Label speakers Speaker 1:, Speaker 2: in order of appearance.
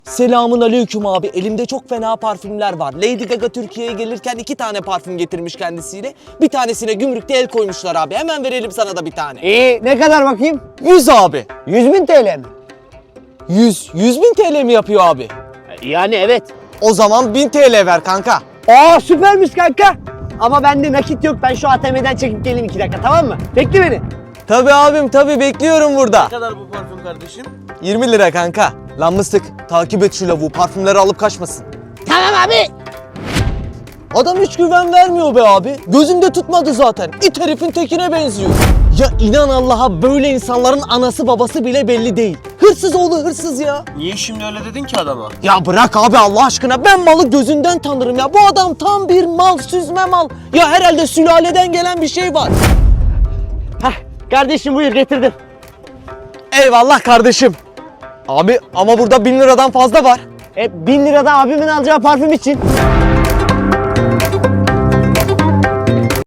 Speaker 1: Selamun aleyküm abi. Elimde çok fena parfümler var. Lady Gaga Türkiye'ye gelirken 2 tane parfüm getirmiş kendisiyle. Bir tanesine gümrükte el koymuşlar abi. Hemen verelim sana da bir tane.
Speaker 2: İyi, ne kadar bakayım?
Speaker 1: 100 abi.
Speaker 2: 100.000 TL mi?
Speaker 1: 100 bin TL mi yapıyor abi?
Speaker 2: Yani evet.
Speaker 1: O zaman 1000 TL ver kanka.
Speaker 2: Aa süpermiş kanka. Ama bende nakit yok. Ben şu ATM'den çekip geleyim 2 dakika, tamam mı? Bekle beni.
Speaker 1: Tabii abim tabii, bekliyorum burada.
Speaker 3: Ne kadar bu parfüm kardeşim?
Speaker 1: 20 lira kanka. Lan mıstık, takip et şu lavuğu, parfümleri alıp kaçmasın.
Speaker 2: Tamam abi.
Speaker 1: Adam hiç güven vermiyor be abi. Gözümde tutmadı zaten. İt herifin tekine benziyor. Ya inan Allah'a, böyle insanların anası babası bile belli değil. Hırsız oğlu hırsız ya.
Speaker 3: Niye şimdi öyle dedin ki adama?
Speaker 1: Ya bırak abi Allah aşkına, ben malı gözünden tanırım ya. Bu adam tam bir mal, süzme mal. Ya herhalde sülaleden gelen bir şey var.
Speaker 2: Hah, kardeşim buyur getirdim.
Speaker 1: Eyvallah kardeşim. Abi ama burada 1000 liradan fazla var.
Speaker 2: 1000 lira da abimin alacağı parfüm için.